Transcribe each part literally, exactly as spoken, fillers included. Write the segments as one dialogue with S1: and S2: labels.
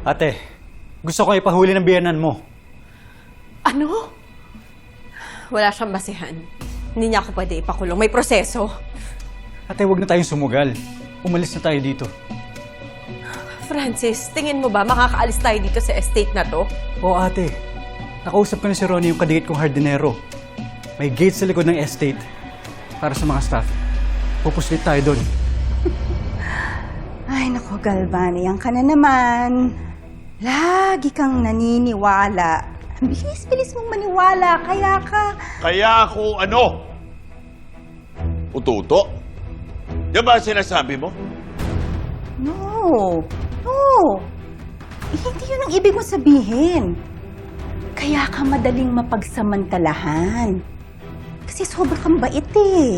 S1: Ate, gusto ko ipahuli ng biyanan mo.
S2: Ano? Wala siyang basihan. Hindi niya ako pwede ipakulong. May proseso.
S1: Ate, huwag na tayong sumugal. Umalis na tayo dito.
S2: Francis, tingin mo ba makakaalis tayo dito sa estate na to?
S1: Oo, ate. Nakausap ko na si Ronnie, yung kadikit kong hardinero. May gate sa likod ng estate para sa mga staff. Pupuslit tayo doon.
S3: Ay, naku, Galvan, yan ka na naman. Lagi kang naniniwala. Ang bilis-bilis mong maniwala, kaya ka...
S4: Kaya ako ano? Ututo? Yan ba ang sinasabi mo?
S3: No, no. Eh, hindi yun ang ibig mong sabihin. Kaya ka madaling mapagsamantalahan. Kasi sobrang kang bait eh.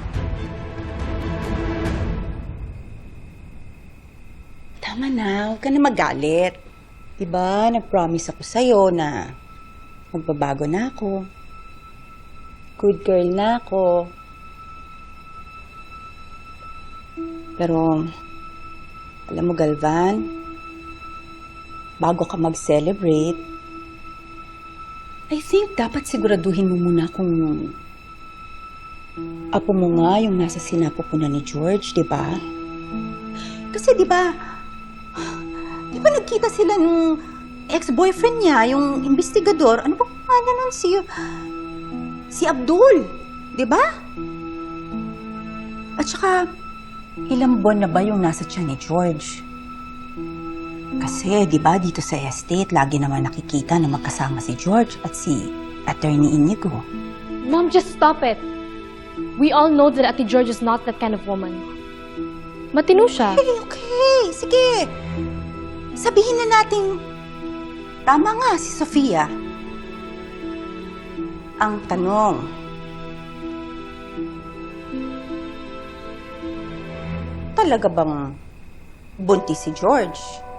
S3: Tama na, huwag ka na magalit. Diba, nag-promise ako sa'yo na magbabago na ako. Good girl na ako. Pero, alam mo, Galvan, bago ka mag-celebrate, I think dapat siguraduhin mo muna kung apo mo nga yung nasa sinapupunan ni George, di ba? Kasi di ba, di ba nagkita sila ng ex-boyfriend niya, yung investigador, ano ba pangalan nun? Si, si Abdul, di ba? At saka, ilang buwan na ba yung nasa tiyan ni George? Kasi, di ba, dito sa estate, lagi naman nakikita na magkasama si George at si Attorney Inigo.
S5: Mom, just stop it. We all know that Ate George is not that kind of woman. Matino siya.
S3: Okay, okay. Sige. Sabihin na natin, tama nga si Sofia. Ang tanong, talaga bang buntis si George?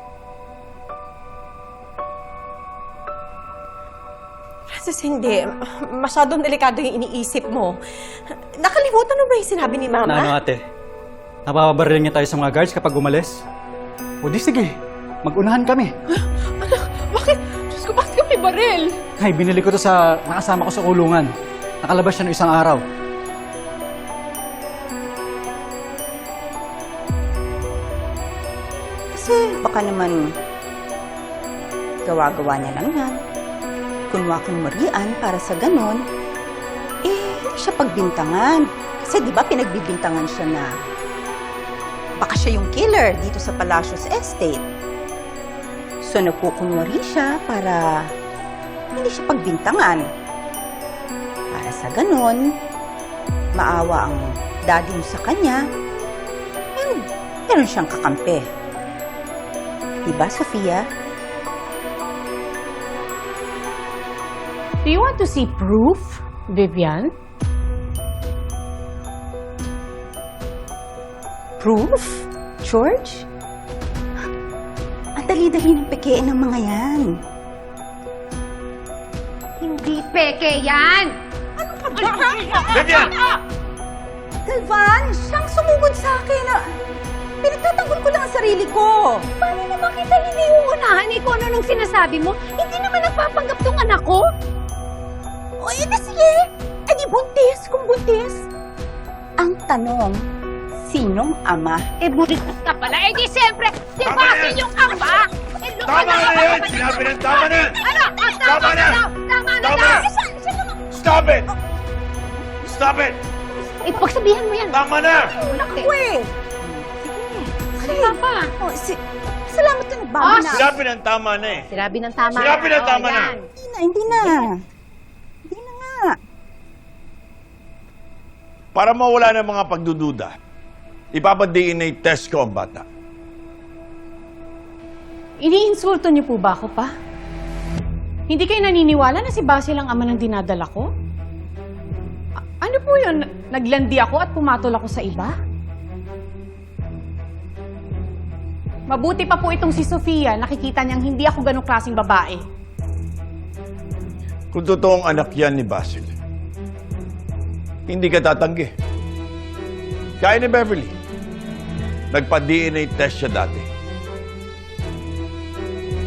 S2: Francis, hindi. Masyadong delikado yung iniisip mo. Nakalimutan mo ba yung sinabi ni Mama?
S1: Na ano, ate? Napapabaril niya tayo sa mga guards kapag umalis? O di sige, mag-unahan kami.
S2: Ano? Bakit? Diyos ko, bakit kami baril?
S1: Ay, binili ko to sa nakasama ko sa kulungan. Nakalabas siya ng isang araw.
S3: Kasi baka naman gawa-gawa niya lang yan. Kunwakang marian para sa ganon, eh, hindi siya pagbintangan. Kasi di ba pinagbibintangan siya na baka siya yung killer dito sa Palacios Estate. So nagkukunwari siya para hindi siya pagbintangan. Para sa ganon, maawa ang daddy mo sa kanya, and meron siyang kakampi. Diba, Sofia?
S6: Do you want to see proof, Vivian?
S3: Proof? George? Ang dali-dali ng pekein ng mga yan.
S5: Hindi peke yan!
S3: Ano ka ba?
S4: Vivian!
S3: Galvan, siyang sumugod sa akin. Ah, pinagtatanggol ko lang ang sarili ko.
S5: Paano naman kita hindi uunahan eh kung ano nung sinasabi mo? Hindi naman nagpapanggap tong anak ko.
S3: O, edi sige. Edi buntis kung buntis. Ang tanong, sinong ama?
S5: Eh, buntis ka pala. Eh, di siyempre, di
S4: Tama
S5: ba
S4: na yan!
S5: yung ama? Eh,
S4: Tama na yan! Sinabi ng tama na!
S5: Ano? Ah,
S4: Tama
S5: tama
S4: na!
S5: na daw! Tama na
S4: Tama
S5: daw!
S4: na! Stop it! Stop it!
S5: Eh, pagsabihan mo yan.
S4: Tama na!
S5: Naku
S3: Uy!
S5: Ano ka pa?
S3: O, si, salamat na nagbago
S5: Oh,
S3: na.
S4: Sinabi ng tama na eh.
S5: Sinabi ng tama.
S4: Sinabi ng
S5: Oh,
S4: tama na.
S5: yan.
S3: Hindi na, hindi na. Hindi na nga.
S4: Para mawala ng mga pagdududa, ipapa-D N A test ko ang bata.
S6: Iniinsulto niyo po ba ako pa? Hindi kayo naniniwala na si Basil ang ama ng dinadala ko? A- ano po yun? Naglandi ako at pumatol ako sa iba? Mabuti pa po itong si Sofia, nakikita niyang hindi ako ganong klaseng babae.
S4: Kung totoong anak yan ni Basil, hindi ka tatanggi. Kaya ni Beverly, nagpa-D N A test siya dati.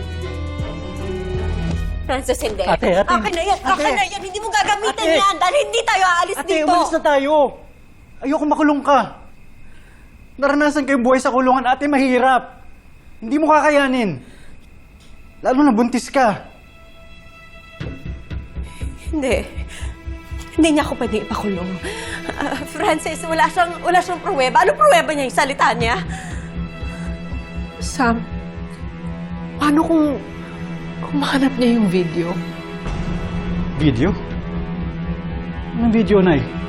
S2: Francis, hindi.
S1: Ate, ate.
S2: Akin na yan, akin
S1: Ate.
S2: na yan. Hindi mo gagamitin
S1: Ate.
S2: yan dahil hindi tayo aalis
S1: Ate,
S2: dito.
S1: umalis na tayo. Ayoko makulong ka. Naranasan ko yung buhay sa kulungan, ate, mahirap. Hindi mo kakayanin. Lalo na buntis ka.
S2: Hindi. Hindi niya ako pwedeng ipakulong. Ah, Francis, wala siyang, wala siyang pruweba. Ano pruweba niya yung salita niya?
S7: Sam, paano kung, kung mahanap niya yung video?
S1: Video? Anong video, Nay?